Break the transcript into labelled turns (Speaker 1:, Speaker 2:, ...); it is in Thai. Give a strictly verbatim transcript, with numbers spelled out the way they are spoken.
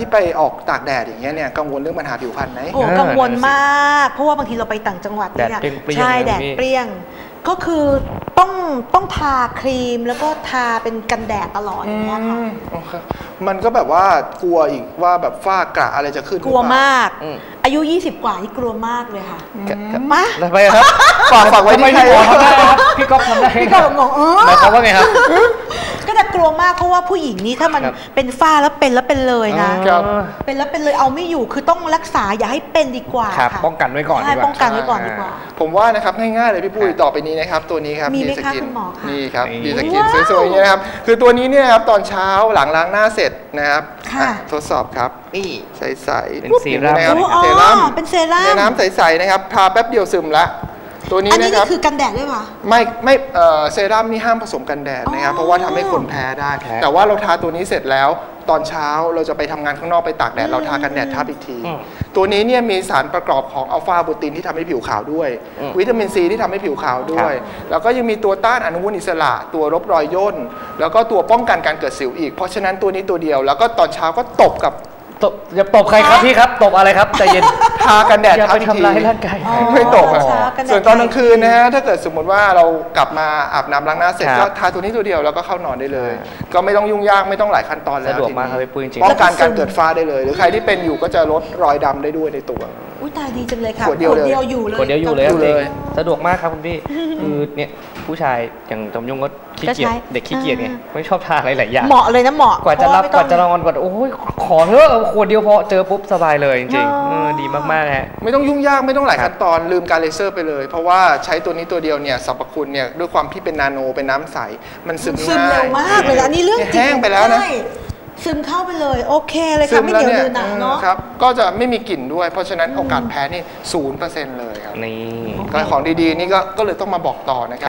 Speaker 1: ที่ไปออกตากแดดอย่างเงี้ยเนี่ยกังวลเรื่องปัญหาผิวพรรณไหม
Speaker 2: โอ้กังวลมากเพราะว่าบางทีเราไปต่างจังหวัดเนี่ยใช่แดดเปรี้ยงก็คือต้องต้องทาครีมแล้วก็ทาเป็นกันแดดตลอดอย่างเงี้ยค่ะ
Speaker 1: มันก็แบบว่ากลัวอีกว่าแบบฝ้ากระอะไรจะขึ้น
Speaker 2: กลัวมากอายุยี่สิบกว่าที่กลัวมากเลยค่ะ
Speaker 3: มาทำไมครับฝากฝากไว้ที่ใครทำได้ครับพี่ก๊อฟทำได้
Speaker 2: พี่ก๊อฟงงเออ
Speaker 3: หมายความว่าไงครับ
Speaker 2: ก็จะกลัวมากเพราะว่าผู้หญิงนี้ถ้ามันเป็นฝ้าแล้วเป็นแล้วเป็นเลยนะเป็นแล้วเป็นเลยเอาไม่อยู่คือต้องรักษาอย่าให้เป็นดีกว่าค่ะ
Speaker 3: ป้องกันไว้ก่อนดีกว่า
Speaker 2: ป้องกันไว้ก่อนดีกว่า
Speaker 1: ผมว่านะครับง่ายๆเลยพี่ปุ้ยต่อไปนี้นะครับตัวนี้ครับ
Speaker 2: มีไหมคะคุณหมอคะ
Speaker 1: นี่ครับดีสกินสวยๆเนี่ยนะครับคือตัวนี้เนี่ยครับตอนเช้าหลังล้างหน้าเสร็จนะครับทดสอบครับ
Speaker 3: นี่
Speaker 1: ใสๆ
Speaker 3: เป็นเซรั่ม
Speaker 1: นะครับ
Speaker 2: เซรั่มเป็นเซรั่ม
Speaker 1: น้ำใสๆนะครับทาแป๊บเดียวซึมละตัวนี้นะครับ
Speaker 2: อันนี้คือกันแดดด้วยป่ะ
Speaker 1: ไม่ไม่เซรั่มนี่ห้ามผสมกันแดดนะครับเพราะว่าทำให้คนแพ้ได้แต่ว่าเราทาตัวนี้เสร็จแล้วตอนเช้าเราจะไปทำงานข้างนอกไปตากแดดเราทากันแดดทับอีกทีตัวนี้เนี่ยมีสารประกอบของอัลฟาโปรตีนที่ทำให้ผิวขาวด้วยวิตามินซีที่ทำให้ผิวขาวด้วยแล้วก็ยังมีตัวต้านอนุมูลอิสระตัวลบรอยย่นแล้วก็ตัวป้องกันการเกิดสิวอีกเพราะฉะนั้นตัวนี้ตัวเดียวแล้วก็ตอนเช้าก็ตบกับ
Speaker 3: ตบอย่าตบใครครับพี่ครับตบอะไรครับใจเย็น
Speaker 1: ทากันแดด
Speaker 3: ทับอีกทีอย่าไปทำร้ายร่างกาย
Speaker 1: ไม่ตบอ่ะส่วนตอนกลางคืนนะฮะถ้าเกิดสมมติว่าเรากลับมาอาบน้ำล้างหน้าเสร็จก็ทาตัวนี้ตัวเดียวแล้วก็เข้านอนได้เลยก็ไม่ต้องยุ่งยากไม่ต้องหลายขั้นตอนแล้ว
Speaker 3: สะดวกมากครับพี่ปุ้ยจริง
Speaker 1: ป้องกันการเกิดฝ้าได้เลยหรือใครที่เป็นอยู่ก็จะลดรอยดำได้ด้วยในตัว
Speaker 2: อุ้ยตายดีจังเลยค่ะ
Speaker 1: ขวดเดียว
Speaker 2: อยู่เลย
Speaker 3: ขวดเดียวอยู่เลยสะดวกมากครับคุณพี่คือเนี่ยผู้ชายอย่างจมยงก็ขี้เกียจเด็กขี้เกียจไงไม่ชอบทาอะไรหลายอย่าง
Speaker 2: เหมาะเลยนะเหมาะ
Speaker 3: กว่าจะรับกว่าจะนอนกว่าโอ้ยขอเถอะขวดเดียวพอเจอปุ๊บสบายเลยจริงๆดีมากๆฮะ
Speaker 1: ไม่ต้องยุ่งยากไม่ต้องหลายขั้นตอนลืมการเลเซอร์ไปเลยเพราะว่าใช้ตัวนี้ตัวเดียวเนี่ยสรรพคุณเนี่ยด้วยความที่เป็นนาโนเป็นน้ำใสมันซึมง่าย
Speaker 2: ซึมเร็วมากเลยอันนี้เรื่องจริง
Speaker 1: แห้งไปแล้วนะ
Speaker 2: ซึมเข้าไปเลยโอเคเลยค่ะไม่เหนียวเนื้อหนักเนาะ
Speaker 1: ครับก็จะไม่มีกลิ่นด้วยเพราะฉะนั้นโอกาสแพ้นี่ศูนย์เปอร์เซ็นต์เลยครับ
Speaker 3: นี่
Speaker 1: ของดีๆนี่ก็เลยต้องมาบอกต่อนะครับ